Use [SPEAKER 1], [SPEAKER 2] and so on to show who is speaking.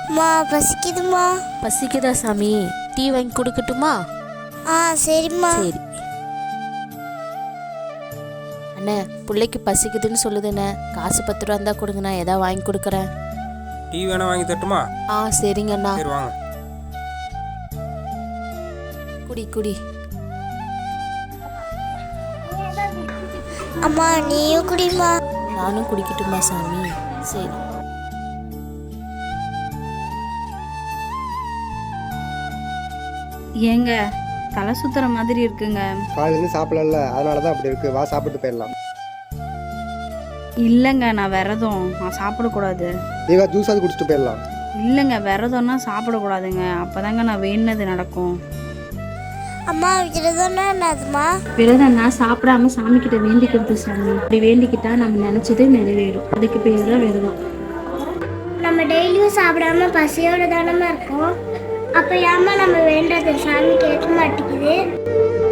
[SPEAKER 1] அம்மா பசிக்குதுமா.
[SPEAKER 2] பசிக்குதா சாமி? டீ வாங்கி கொடுக்கட்டுமா?
[SPEAKER 1] சரிம்மா.
[SPEAKER 2] சரி அண்ணே, பிள்ளைக்கு பசிக்குதுன்னு சொல்லுதுண்ணே. காசு 10 ரூபா இருந்தால் கொடுங்க, நான் எதாவது வாங்கி கொடுக்குறேன்.
[SPEAKER 3] டீ வேணா வாங்கி தட்டுமா?
[SPEAKER 2] சரிங்க அண்ணா.
[SPEAKER 3] சரி வாங்க.
[SPEAKER 2] குடி குடி.
[SPEAKER 1] அம்மா நீயும் குடிமா.
[SPEAKER 2] நானும் குடிக்கட்டுமா சாமி? சரி.
[SPEAKER 4] ஏங்க தலை சுத்துற மாதிரி இருக்குங்க.
[SPEAKER 5] காலையிலேருந்து சாப்பிடல, அதனால தான் அப்படி இருக்கு. வா சாப்பிட்டு போயிடலாம்.
[SPEAKER 4] இல்லைங்க, நான் விரதம், நான் சாப்பிடக்கூடாது.
[SPEAKER 5] நீவா ஜூஸாவது குடிச்சிட்டு போயிடலாம்.
[SPEAKER 4] இல்லைங்க, விரதம்னா சாப்பிடக்கூடாதுங்க. அப்போதாங்க நான் வேணுனது நடக்கும்.
[SPEAKER 1] அம்மா விரதம்னா என்னதுமா?
[SPEAKER 6] விரதம்னா சாப்பிடாம சாமி கிட்ட வேண்டிக்கிறது சாமி. அப்படி வேண்டிக்கிட்டா நம்ம நினைச்சது நிறைவேறும். அதுக்கு பேர் தான் விரதம்.
[SPEAKER 1] நம்ம டெய்லியும் சாப்பிடாம பசியோட தானமா இருக்கோம். அப்ப ஏமா நம்ம வேண்டது சாமி கேட்க மாட்டேங்குது?